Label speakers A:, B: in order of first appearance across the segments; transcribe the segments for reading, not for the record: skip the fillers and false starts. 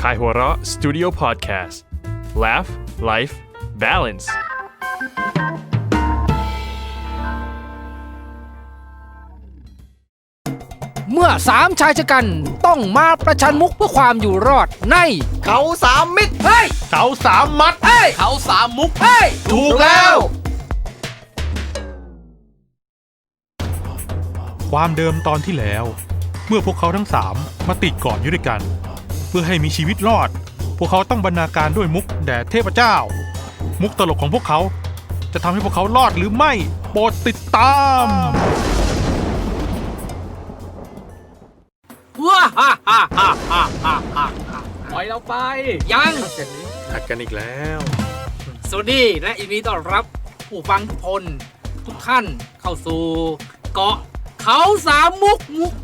A: Kaihura Studio Podcast Laugh Life Balance
B: เมื่อสามชายชะกันต้องมาประชันมุกเพื่อความอยู่รอดใน
C: เขาสามมิตร
B: เฮ้ย
A: เขาสามมัด
B: เฮ้ย
C: เขาสามมุก
B: เฮ้ย
C: ถูกแล้ว
D: ความเดิมตอนที่แล้วเมื่อพวกเขาทั้งสามมาติดเกาะอยู่ด้วยกันเพื่อให้มีชีวิตรอดพวกเขาต้องบรรณาการด้วยมุกแด่เทพเจ้ามุกตลกของพวกเขาจะทำให้พวกเขารอดหรือไม่โปรดติดตาม
B: ว้าฮ่าฮ่าฮ่าฮ่าฮ่าฮ่า
C: ปล่อยเราไป
B: ยัง
D: หัดกันอีกแล้ว
B: สวัสดีและยินดีต้อนรับผู้ฟังทุกคนทุกท่านเข้าสู่เกาะเขาสามมุก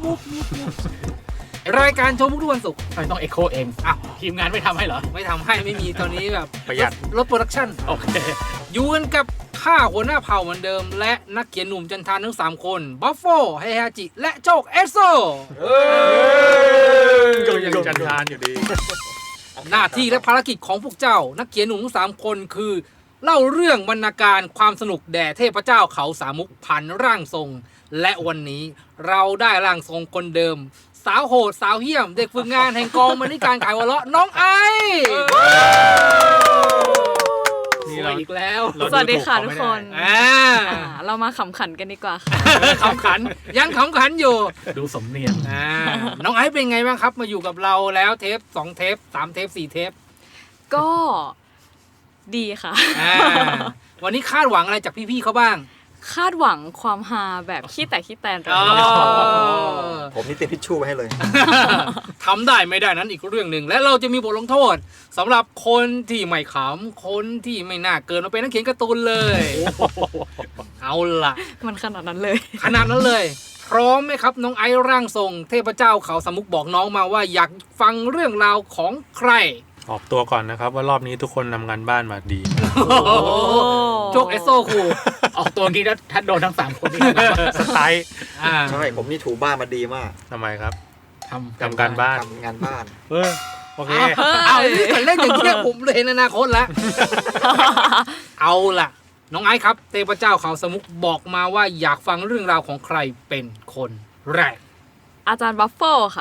B: รายการโชว์มุกทุกวันศุกร์
C: ไม่ต้องเอ็กโคเอง
B: อ้าว
C: ทีมงานไม่ทำให้เหรอ
B: ไม่ทำให้ไม่มีตอนนี้แบบ
D: ประหยัด
B: ลดโปรดักชั่น
C: โอเค
B: อยู่กันกับข้าหัวหน้าเผ่าเหมือนเดิม และนักเขียนหนุ่มจันทานทั้ง3คนบัฟโฟไฮฮาจิและโจกเอสโซ
D: ก็ยังจันทานอยู่ดี
B: หน้าที่และภารกิจของพวกเจ้า นักเขียนหนุ่มทั้ง3คนคือ เล่าเรื่องบรรณาการความสนุกแด่เทพเจ้าเขาสามมุกผ่านร่างทรง และวันนี้เราได้ร่างทรงคนเดิม สาวโหดสาวเหี้ยม เด็กฝึกงานแห่งกองบรรณาการขายวะเลาะน้องไอ
D: นี่เรา
C: อีกแล้ว
E: สวัสดีค่ะทุกคน
B: เรา
E: เรามาขำขันกันดีกว่าค่ะ
B: ขำขันยังขำขันอยู่
C: ดูสมเนียง
B: น้องไอซ์เป็นไงบ้างครับมาอยู่กับเราแล้วเทป2เทป3เทป4เทป
E: ก็ดีค่ะ
B: วันนี้คาดหวังอะไรจากพี่ๆเขาบ้าง
E: คาดหวังความฮาแบบขี้แตกขี้แตนเรา
C: ผมนี่เตรียมทิชชู่ไว้ให้เลย
B: ทำได้ไม่ได้นั้นอีกเรื่องหนึ่งและเราจะมีบทลงโทษสำหรับคนที่ไม่ขำคนที่ไม่น่าเกินมาเป็นนักเขียนการ์ตูนเลยเอาล่ะ
E: มันขนาดนั้นเลย
B: ขนาดนั้นเลย พร้อมไหมครับน้องไอซ์ร่างทรงเทพเจ้าเขาสามมุกบอกน้องมาว่าอยากฟังเรื่องราวของใคร
D: ออกตัวก่อนนะครับว่ารอบนี้ทุกคนทำงานบ้านมาดี
B: โจกเอสโซครู
C: ออกตัวงี้แล้วถ้าโดนทั้ง3คนนี่
D: สไตล์
F: ใช่ผมนี่ถูบ้านมาดีมาก
D: ทำไมครับ
C: ทำ
D: ทำการบ้าน
F: ทำงานบ้าน
D: โอเค
B: เอาที่กันเล่นอย่างเงี้ยผมเลยเห็นอนาคตแล้ว เอาล่ะ น้องไอซ์ครับเทพเจ้าเขาสามมุกบอกมาว่าอยากฟังเรื่องราวของใครเป็นคนแรก
E: อาจารย์บัฟเฟลค่ะ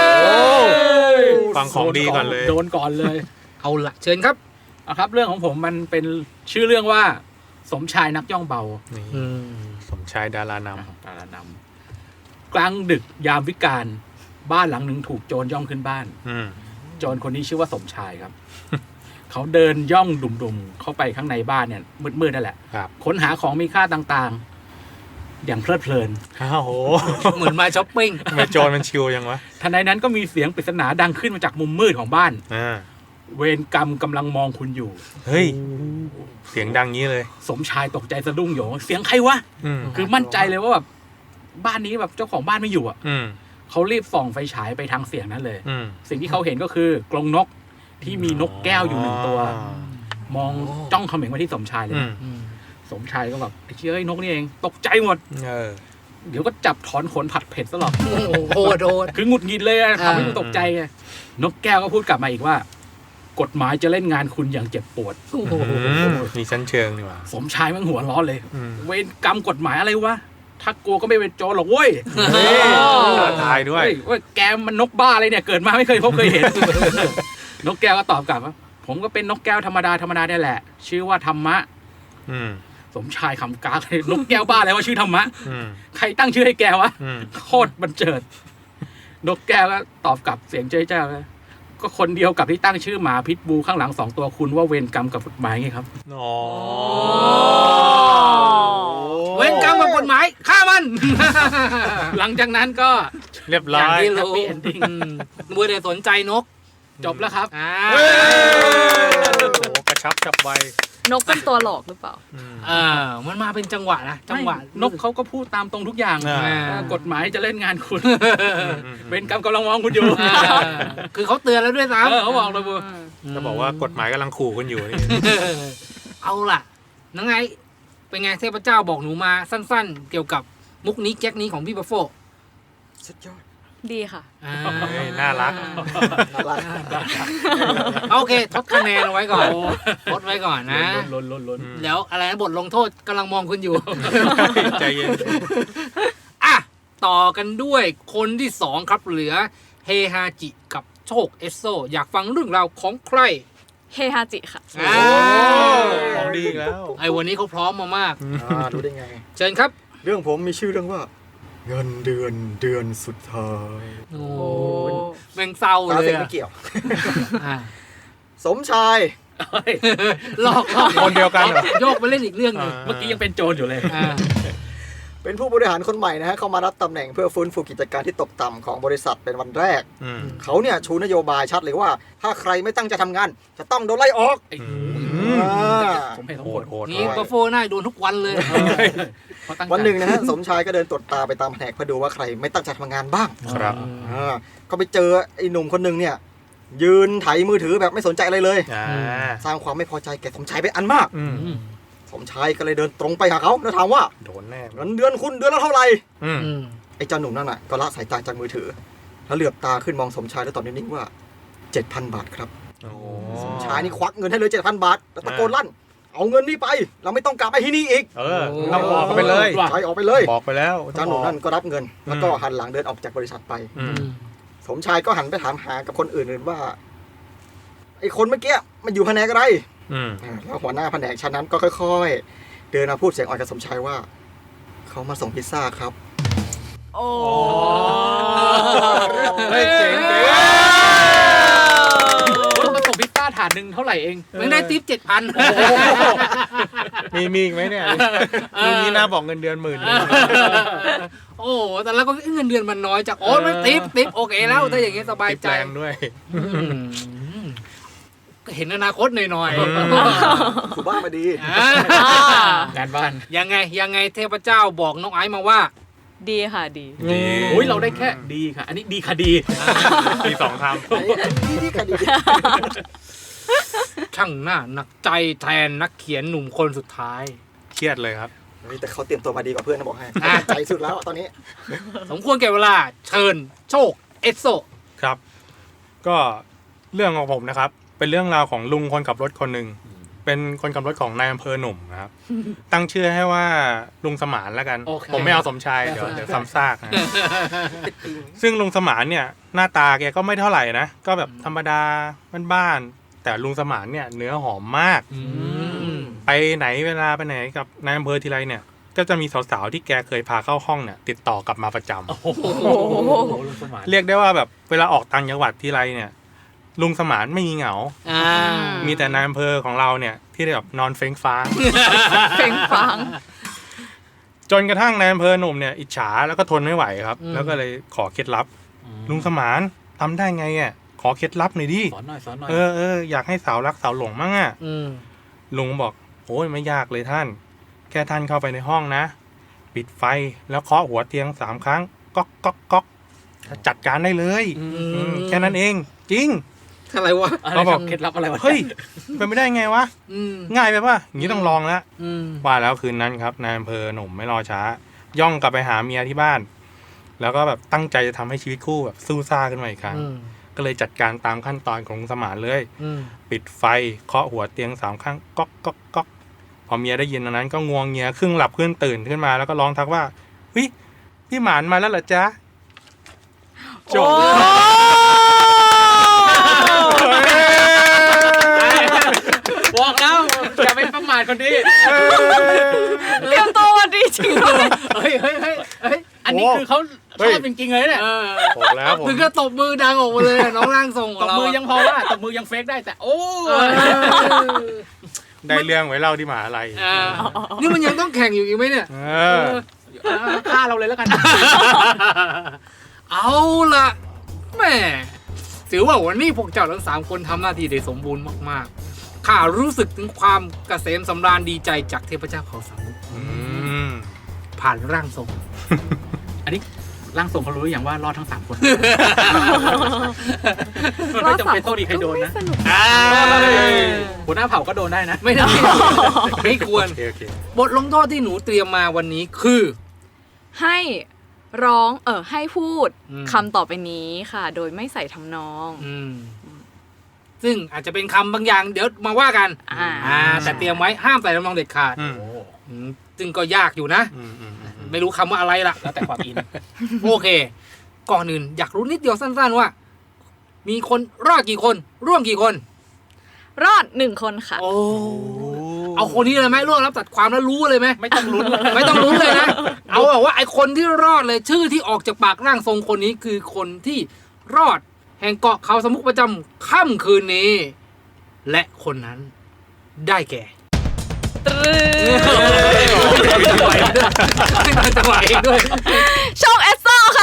D: ฟังของดีก่อนเลย
C: โดนก่อนเลย
B: เอาล่ะเชิญครับ
C: เอาครับเรื่องของผมมันเป็นชื่อเรื่องว่าสมชายนักย่องเบา
D: นี่สมชายดารานำ
C: ตาลนำกลางดึกยามวิกาลบ้านหลังหนึ่งถูกโจรย่องขึ้นบ้าน โจรคนนี้ชื่อว่าสมชายครับ เขาเดินย่องดุ่มๆเข้าไปข้างในบ้านเนี่ยมืดๆนั่นแหละ
D: ครับ
C: ค้นหาของมีค่าต่างๆ อย่างเพลิดเพลิน
D: อ้าวโห
B: เหมือนมาช้อปปิ้ง
D: ทำไมโจรมันชิวยังวะ
C: ทันใดนั้นก็มีเสียงปริศนาดังขึ้นมาจากมุมมืดของบ้าน
D: อ่า
C: เวรกรรมกำลังมองคุณอยู่
D: เฮ้ยเสียงดังงี้เลย
C: สมชายตกใจสะดุ้งโหยงเสียงใครวะ คือมั่นใจเลยว่าแบบบ้านนี้แบบเจ้าของบ้านไม่อยู่อ่ะ เขารีบส่องไฟฉายไปทางเสียงนั้นเลย สิ่งที่เขาเห็นก็คือกรงนกที่มีนกแก้วอยู่1ตัว มองจ้องเขม็งมาที่สมชายเลย สมชายก็แบบไอ้เชี่ยไอ้นกนี่เองตกใจหมด เดี๋ยวก็จับถอนขนผัดเผ็ดซะหรอก
B: โอ้โหโดน
C: คือหงุดหงิดเลยอะทำให้มันตกใจไงนกแก้วก็พูดกลับมาอีกว่า กฎหมายจะเล่นงานคุณอย่างเจ็บปวด
D: มีชั้นเชิงนี่หว่า
C: สมชายมันหัวร้อนเลย เวรกรรมกฎหมายอะไรวะถ้ากลัวก็ไม่เป็นโจรหรอกเว้ย
D: ท้าทายด้วย
C: ว่าแกมันนกบ้าอะไรเนี่ยเกิดมาไม่เคยพบเคยเห็น นกแก้วก็ตอบกลับว่าผมก็เป็นนกแก้วธรรมดาเนี่ยแหละ ชื่อว่าธรรมะสมชายคำกากเลยนกแก้วบ้าอะไรว่าชื่อธรรมะใครตั้งชื่อให้แกวะโคตรบันเจิด นกแก้วก็ตอบกลับเสียงเจ้าเลยก็คนเดียวกับที่ตั้งชื่อหมาพิษบูข้างหลัง2ตัวคุณว่าเวรกรรมกับกฎหมายไงครับ
B: เว้นกรรมกับกฎหมายฆ่ามัน
C: หลังจากนั้นก็
D: เรียบร้
B: อย่าง
D: อย
B: ที่รู้
C: Happy ending
B: มัวแต่สนใจนก
C: จบแล้วครับ
D: โอ้กระชับจับไวน
E: กเป็นตัวหลอกหรือเปล่า
B: มันมาเป็นจังหวะนะจังหวะ
C: นกเขาก็พูดตามตรงทุกอย่าง กฎหมายจะเล่นงานคุณ เวรกรรมกำลังมองคุณอยู่
B: คือเขาเตือนแล้วด้วยซ้ำ
C: เขาบอกเลยบู
D: จะบอกว่ากฎหมายกำลังขู่คุณอยู่นี่
B: เอาล่ะนังไงเป็นไงเทพเจ้าบอกหนูมาสั้นๆ เกี่ยวกับมุกนี้แก๊กนี้ของพี่บัฟโฟ
F: สุดยอด
E: ดีค่ะ
B: อ่า
D: เฮ้ยน่ารัก
F: น่ารัก
B: โอเคทดคะแนนเอาไว้ก่อนทดไว้ก่อนนะ
C: ล้น
B: แล้วอะไรนะบทลงโทษกำลังมองคุณอยู่
D: ใจเย็น
B: อ่ะ ต่อกันด้วยคนที่สองครับเหลือเฮฮาจิกับโชคเอสโซ อยากฟังเรื่องราวของใคร
E: เฮฮาจิค่ะ
B: อ่า
D: ของดีอีกแล้ว
B: ไอ้วันนี้เขาพร้อมมามาก
F: รู้ได้ไง
B: เชิญครับ
F: เรื่องผมมีชื่อเรื่องว่า เงินเดือนสุดท้าย
B: โอ้
E: โอ้
B: แม่งเศร้า
F: ตา
B: เล
F: เส
B: ย
F: ก
B: อะ
F: ไม่เกี่ยว
B: อ่ะ
F: สมชาย
B: หลอก
D: คนเดียวกันเหรอ
B: โยกไปเล่นอีกเรื่องหนึง
C: เมื่อกี้ยังเป็นโจรอยู่เลย
B: อ่า
F: เป็นผู้บริหารคนใหม่นะฮะเข้ามารับตำแหน่งเพื่อฟื้นฟูกิจการที่ตกต่ำของบริษัทเป็นวันแรก
D: อืม
F: เขาเนี่ยชูนโยบายชัดเลยว่า ถ้าใครไม่ตั้งใจทำงาน จะต้องโดนไล่ออก
C: ไอ้
F: อ่า
C: ผมเห็น
D: โห
C: ทั้งหม
D: ด
C: ด
D: โหด
B: นี่บัฟโฟน่าโดนทุกวันเลย
C: เขาตั้งใจ
F: วันหนึ่งนะฮะ สมชายก็เดินตรวจตาไปตามแผนกเพื่อดูว่าใครไม่ตั้งใจทำงานบ้าง
D: ครับ
F: ก็ไปเจอไอ้หนุ่มคนหนึ่งเนี่ย ยืนไถมือถือแบบไม่สนใจอะไรเลย
D: อ่า
F: สร้างความไม่พอใจแก่สมชายเป็นอันมาก
D: อืม
F: สมชายก็เลยเดินตรงไปหาเขาแล้วถามว่า
D: โดนแน่
F: เงินเดือนคุณเดือนละเท่าไหร่
D: อืม
B: อืม
F: ไอ้เจ้าหนุ่มนั่นน่ะก็ละสายตาจากมือถือ แล้วเหลือบตาขึ้นมองสมชายแล้วตอบนิ่งๆว่า 7,000 บาทครับ
D: โอ้
F: สมชายนี่ควักเงินให้เลย 7,000 บาทแล้วตะโกนลั่น เอาเงินนี่ไป เราไม่ต้องกลับไปที่นี่อีก
D: เออต้องบอกเขาไปเลย
F: ใช้ออกไปเลย
D: บอกไปแล้ว
F: เจ้าหนุ่มนั่นก็รับเงิน แล้วก็หันหลังเดินออกจากบริษัทไป
D: อืม
F: สมชายก็หันไปถามหากับคนอื่นๆว่าไอ้คนเมื่อกี้มันอยู่แผนกอะไร
D: อืม
F: แล้วหัวหน้าแผนกชั้นนั้นก็ค่อยๆ เดินมาพูดเสียงอ่อนกับสมชายว่า เขามาส่งพิซซ่าครับ
E: โอ้
D: เฮ้ยเจ๋งเจ๋ง
C: มาส่งพิซซ่าถาดหนึ่งเท่าไหร่เอง
B: ไม่ได้ทิป7,000
D: มีอีกไหมเนี่ยรุ่นนี้น่าบอกเงินเดือนหมื่น
B: โอ้แต่แล้วก็เงินเดือนมันน้อยจากโอ้ไม่ทิปโอเคแล้วถ้าอย่างงี้สบายใจ
D: แรงด้วย
B: อืมก็เห็นอนาคตหน่อย
F: ถูบ้ามาดี
B: ๆอ่าง
C: านบ้าน
B: ยังไงเทพเจ้าบอกน้องไอซ์มาว่า
E: ดีค่ะดี
D: ดี
C: โอ้ยเราได้แค่ดีค่ะ อันนี้ดีค่ะดี
D: มีสองค
F: นี่คดี
B: ช่างหน้าหนักใจแทนนักเขียนหนุ่มคนสุดท้าย
D: ำเครียดเลยครับ
F: แต่เขาเตรียมตัวมาดีกว่าเพื่อนนะบอกให้
B: อ่ะ
F: ใจสุดแล้วตอนนี้
B: สมควรแก่เวลา เชิญโชคเอสโซ
D: ครับ ก็เรื่องของผมนะครับ เป็นเรื่องราวของลุงคนขับรถคนหนึ่ง เป็นคนขับรถของนายอำเภอหนุ่มนะครับ ตั้งชื่อให้ว่าลุงสมานแล้วกัน
B: โอเค
D: ผมไม่เอาสมชายเดี๋ยวซ้ำซากนะซึ่งลุงสมานเนี่ย หน้าตาแกก็ไม่เท่าไหร่นะ ก็แบบธรรมดาบ้านๆแต่ลุงสมานเนี่ยเนื้อหอมมาก ไปไหนเวลาไปไหนกับนายอำเภอทีไรเนี่ย ก็จะมีสาวๆที่แกเคยพาเข้าห้องเนี่ยติดต่อกลับมาประจำ
C: โอ้โหลุงสมาน
D: เรียกได้ว่าแบบเวลาออกต่างจังหวัดทีไรเนี่ย ลุงสมานไม่มีเหงา
B: อ่า
D: มีแต่นายอำเภอของเราเนี่ยที่แบบนอนเฟ้งฟ้าง
E: เพ่งฟัง
D: จนกระทั่งนายอำเภอหนุ่มเนี่ยอิจฉาแล้วก็ทนไม่ไหวครับ แล้วก็เลยขอเคล็ดลับ ลุงสมานทำได้ไงอ่ะขอเคล็ดลับหน่อยดิ
C: สอนหน่อย
D: เอออยากให้สาวรักสาวหลงมั่งอ่ะ
B: อืม
D: ลุงบอกโอ้ยไม่ยากเลยท่าน แค่ท่านเข้าไปในห้องนะ ปิดไฟแล้วเคาะหัวเตียง3 ครั้งก๊อกก๊อกก๊อกจัดการได้เลยแค่นั้นเอง จริง
B: อะไรวะ
C: อะไร
D: เขาบอก
C: เคล็ดลับอะไรวะ
D: เฮ้ยเป็นไม่ได้ไงวะ
B: อืม
D: ง่ายไปป่ะอย่างนี้ต้องลองแล้ว
B: อืม
D: ว่าแล้วคืนนั้นครับนายอำเภอหนุ่มไม่รอช้า ย่องกลับไปหาเมียที่บ้าน แล้วก็แบบตั้งใจจะทำให้ชีวิตคู่แบบสู้ซ่าขึ้นมาอีกครั้ง
B: อืม
D: ก็เลยจัดการตามขั้นตอนของลุงสมานเลย
B: อืม
D: ปิดไฟเคาะหัวเตียง3 ครั้งก๊อกก๊อกก๊อกพอเมียได้ยินอันนั้นก็งวงเงียครึ่งหลับครึ่งตื่นขึ้นมาแล้วก็ร้องทักว่าเฮ้ยพี่หมานมาแล้วเหรอจ๊ะจบ
C: บอกแล้วอย่าไปประมาทคนนี้
E: เตรียมตัวมาดีจริงด้วย
B: เฮ้ย
C: อันนี้คือเขาชอบจริงๆเลยเนี่ย
D: บอกแล้วผม
B: ถึงก็ตบมือดังออกมาเลยอะน้องร่างทรงข
C: ต
B: อง
C: บ
B: เรา
C: มือ
B: อะ
C: ยังพอว่าตบมือยังเฟกได้แต่โอ้
B: เออ
D: ได้เรื่องไว้เล่าที่มหาลัย
B: อ่านี่มันยังต้องแข่งอยู่อีกไหมเนี่ย
D: เออ
C: ฆ่าเราเลยแล้วกัน
B: เอาล่ะแหม่ถือว่าวันนี้พวกเจ้าทั้ง3 คนทำหน้าที่ได้สมบูรณ์มากๆข้ารู้สึกถึงความเกษมสำราญดีใจจากเทพเจ้าเขาสามมุข
D: อืม
B: ผ่านร่างทรง
C: อันนี้ร่างทรงเขารู้หรือยังว่ารอดทั้ง3 คน
E: รอ
C: ไม่
E: บ
C: จำ
E: สาม
C: เป็น
E: ค
C: ต้อง
E: น
C: มีใครโดน
E: ก็
C: นะ
E: ไม่สนุก
C: หัวหน้าเผ่าก็โดนได้นะ
B: ไม่ได้ ไม่ควร
D: โอเค
B: บทลงโทษที่หนูเตรียมมาวันนี้คือ
E: ให้ร้องให้พูด
B: อืม
E: คำต่อไปนี้ค่ะ โดยไม่ใส่ทำนอง
B: ซึ่งอาจจะเป็นคำบางอย่างเดี๋ยวมาว่ากัน แต่เตรียมไว้ห้ามใส่ทำนองเด็ดขาด
D: อืม
B: ซึ่งก็ยากอยู่นะ ไม่รู้คำว่าอะไรล่ะ
C: แล้วแต่ความอิน
B: โอเค ก่อนอื่นอยากรู้นิดเดียวสั้นๆว่า มีคนรอดกี่คน ร่วมกี่คน
E: รอด1 คนค่ะ
B: โอ้เอาคนนี้เลยไหมร่วมรับตัดความแล้วรู้เลยไหม
C: ไม่ต้องลุ้นเลย
B: ไม่ต้องลุ้นเลยนะ เอาแบบว่าไอคนที่รอดเลยชื่อที่ออกจากปากร่างทรงคนนี้คือคนที่รอดแห่งเกาะเขาสมุกประจำค่ำคืนนี้ และคนนั้นได้แก่จังหวะเองด้วย
E: โชคเอสโซค่ะ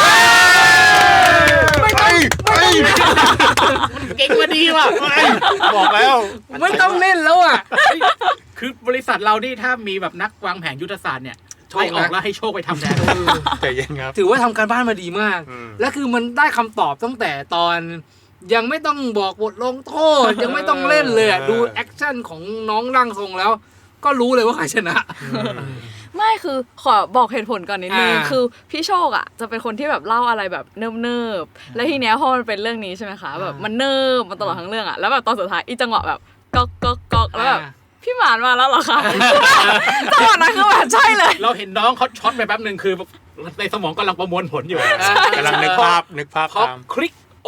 C: เก่งมาดีว่ะ
D: บอกแล้ว
B: ไม่ต้องเล่นแล้วอ่ะ
C: คือบริษัทเรานี่ถ้ามีแบบนักวางแผนยุทธศาสตร์เนี่ย
B: โชคนะ
C: ไล่ออกแล้วให้โชคไปทำแทน
D: ใจเย็นครับ
B: ถือว่าทำการบ้านมาดีมาก
D: อืม
B: และคือมันได้คำตอบตั้งแต่ตอน ยังไม่ต้องบอกบทลงโทษ ยังไม่ต้องเล่นเลยอะดูแอคชั่นของน้องร่างทรงแล้ว ก็รู้เลยว่าใครชนะ
E: ไม่คือขอบอกเหตุผลก่อนนิดนึง
B: อ่า
E: คือพี่โชคอ่ะจะเป็นคนที่แบบเล่าอะไรแบบเนิบๆแล้วทีเนี้ยพอมันเป็นเรื่องนี้ใช่ไหมคะแบบมันเนิบมาตลอดทั้งเรื่องอ่ะแล้วแบบตอนสุดท้ายอีจังหวะแบบก๊อกก๊อกก๊อกแล้วแบบพี่หมานมาแล้วเหรอคะจังหวะนั้นคือแบบใช่เลย
C: เราเห็นน้องเขาช็อตไปแป๊บหนึ่งคือในสมองกำลังประมวลผลอยู่
D: กำลังนึกภาพ
C: พอ
D: ตาม
C: คลิก โอ้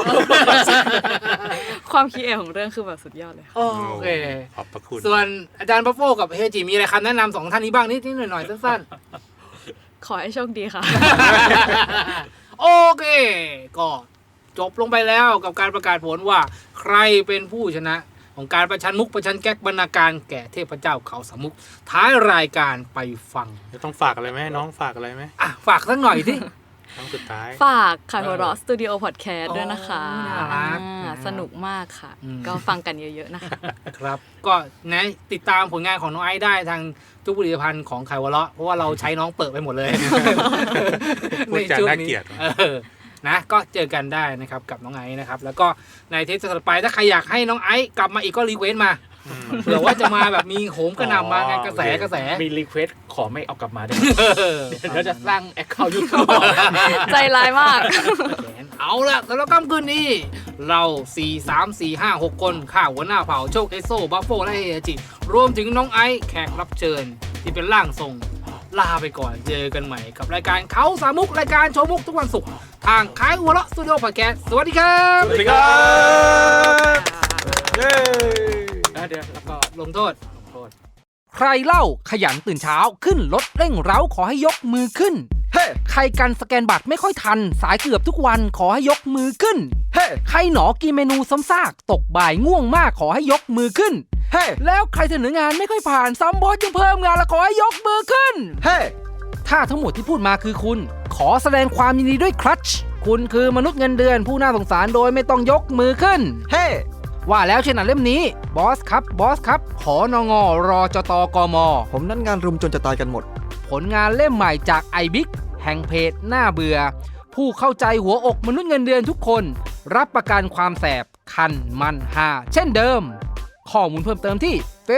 E: ความคิดเองของเรื่องคือแบบสุดยอดเลยค่ะ
B: โอเค
D: ขอบพระคุณ
B: ส่วนอาจารย์บัฟโฟกับเฮจิมีอะไรคำแนะนำสองท่านนี้บ้างนิดๆหน่อยๆสั้น
E: ขอให้โชคดีค่ะ
B: ๆ โอเค ก็จบลงไปแล้วกับการประกาศผลว่า ใครเป็นผู้ชนะของการประชันมุกประชันแก๊กบรรณาการแก่เทพเจ้าเขาสามมุกท้ายรายการไปฟัง
D: จะต้องฝากอะไรไหมน้องฝากอะไรไหม
B: อ่ะฝากสักหน่อยสิ
D: น้องสุดท้าย
E: ฝากค่ะหัวเราะสตูดิโอพอดแคสต์ด้วยนะคะ
B: น่ารัก
E: สนุกมากค่ะ
B: อืม
E: ก็ฟังกันเยอะๆนะคะ
B: ครับ ก็นะติดตามผลงานของน้องไอซ์ได้ทางทุกผลิตภัณฑ์ของไข่วะเลาะเพราะว่าเราใช้น้องเปิดไปหมดเลย
D: พูดจาน่าเกลียด
B: นะก็เจอกันได้นะครับกับน้องไอซ์นะครับ แล้วก็ในเทปถัดไปถ้าใครอยากให้น้องไอซ์กลับมาอีกก็รีเควสต์มาเผื่อว่าจะมาแบบมีโหมกระหน่ำมางานกระแสกระแส
C: มีรีเควสขอไม่เอากลับมาได้ไหมเดี๋ยวจะสร้างแอคเคาท์ยูทูบ
E: ใจร้ายมาก
B: เอาละสำหรับค่ำคืนนี้ เรา 4 3 4 5 6 คนข้าหัวหน้าเผ่าโชคเอสโซบัฟโฟและเฮจิ รวมถึงน้องไอซ์แขกรับเชิญ ที่เป็นร่างทรง ลาไปก่อนเจอกันใหม่กับรายการเขาสามมุกรายการโชว์มุกทุกวันศุกร์ทางค่ายหัวเราะสตูดิโอพอดแคสต์สวัสดีครับ
D: สวัสดีครับเย้
C: เดี๋ยวแล้วก็
B: ลงโทษ
C: ลงโทษ
B: ใครเล่าขยันตื่นเช้าขึ้นรถเร่งเร้าขอให้ยกมือขึ้น
F: เฮ้
B: ใครกันสแกนบัตรไม่ค่อยทัน สายเกือบทุกวันขอให้ยกมือขึ้น
F: เฮ้
B: ใครหนอกินเมนูซ้ำซากตกบ่ายง่วงมากขอให้ยกมือขึ้น
F: เฮ้
B: แล้วใครเสนองานไม่ค่อยผ่านซ้ำบอสยังเพิ่มงานและขอให้ยกมือขึ้น
F: เฮ้
B: ถ้าทั้งหมดที่พูดมาคือคุณ ขอแสดงความยินดีด้วยครัชคุณคือมนุษย์เงินเดือนผู้น่าสงสารโดยไม่ต้องยกมือขึ้น
F: เฮ้
B: ว่าแล้วเช่นหนังเล่มนี้บอสครับขอนงรอจตกม
F: ผมนั่นงานรุมจนจะตายกันหมด
B: ผลงานเล่มใหม่จากไอบิ๊กแห่งเพจหน้าเบื่อ ผู้เข้าใจหัวอกมนุษย์เงินเดือนทุกคน รับประกันความแสบคันมันหาเช่นเดิม ข้อมูลเพิ่มเติมที่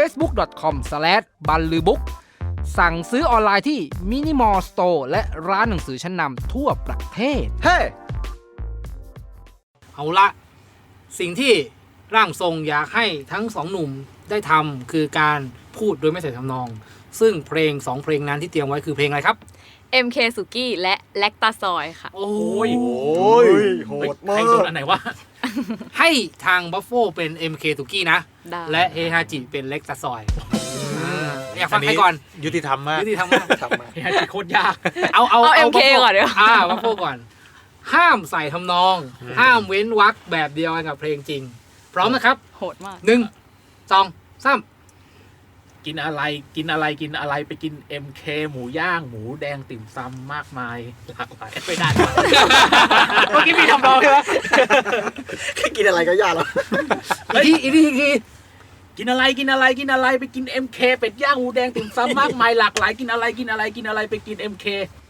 B: facebook.com/ballubook สั่งซื้อออนไลน์ที่ Minimal Store และร้านหนังสือชั้นนำทั่วประเทศ
F: เฮ้
B: เอาละ สิ่งที่ร่างทรงอยากให้ทั้งสองหนุ่มได้ทำคือการพูดโดยไม่ใส่ทำนอง ซึ่งเพลง2เพลงนั้นที่เตรียมไว้คือเพลงอะไรครับ
E: MK สุกี้และแลคตาซอยค่ะ
B: โอ้
C: ย
F: โอ้ยโหดมา
C: ใคร
F: ก
C: โดนอันไหนวะ
B: ให้ทางบัฟโฟเป็น MK ตุกี้นะ
E: ได้
B: และเฮฮาจิเป็นเล็กตาซอยอยากฟังใครก่อน
D: ยุติธรรมมาก
B: ยุติธรรมมาก
F: ทำมา
C: เฮ้ยโคตรยาก
B: เอา
E: MK ก่อนเดี๋ยว
B: บัฟโฟก่อน ห้ามใส่ทำนอง ห้ามเว้นวรรคแบบเดียวกันกับเพลงจริง พร้อมนะครับ
E: โหดมาก
B: 1 2 3
C: กินอะไรกินอะไรไปกิน MK หมูย่างหมูแดงติ่มซำมากมายหลากหลายไม่ได้เมื่อกี้มีทำนองใช่ไหม
F: กินอะไรก็ยากแล้ว
B: อีกที
C: กินอะไรไปกิน MK เป็ดย่างหมูแดงติ่มซำมากมายหลากหลายกินอะไรไปกิน MK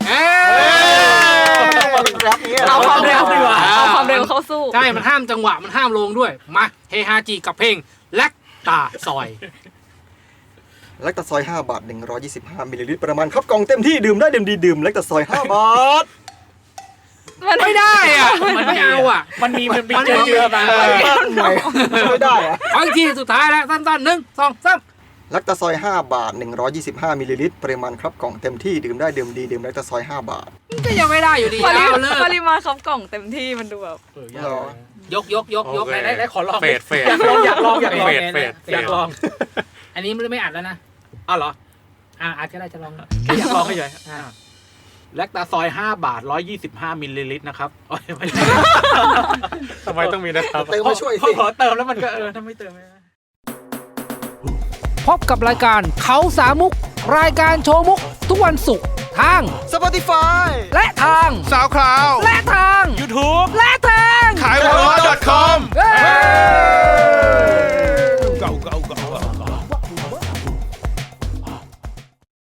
F: รับนี้
E: เอาความเร็ว
C: ดีกว่า
E: เอาความเร็วเข้าสู้
B: ใช่ มันห้ามจังหวะ มันห้ามลงด้วย มาเฮฮาจิกับเพลงแล็กตาซอย
F: แลคตาซอย5 บาท125มิลลิลิตรประมาณครับกล่องเต็มที่ดื่มได้ดื่มดีดื่มแลคตาซอย5 บาท
B: ไม่ได้อ่ะมันไม่เอาอ่ะ
C: มันมีเจือมา
F: ไม่ได้อะ
B: ขออีกทีสุดท้ายแล้วสั้นๆ1 2 3
F: แลคตาซอย5 บาท125มิลลิลิตรปริมาณครับกล่องเต็มที่ดื่มได้ดื่มดีดื่มแลคตาซอย5 บาท
B: ก็ยังไม่ได้อยู่ดีเอาเลย
E: ปริมาณครับกล่องเต็มที่มันดูแบบ
B: ยก
A: โอเค
C: ไหนขอลอง
A: เฟด
C: อยากลอง
A: เฟด
C: อยากลอง
B: อันนี้ไม่อัดแล้วนะ
C: อ้าวเหรอ
B: อาจจะได้จะลอง
C: แค่อยากลองเฉยแลคตาซอย5 บาท125มิลลิลิตรนะครับ
A: ทำไมต้องมีนะครับ
F: เติมมาช่วยสิ
C: พอเติมแล้วมันก็ถ้าไม่เติมไม่ได้
B: พบกับรายการเขาสามมุกรายการโชว์มุกทุกวันศุกร์ทาง
F: Spotify
B: และทาง
A: SoundCloud
B: และทาง
A: YouTube
B: และทาง
A: ขายวอล .com
B: เฮ้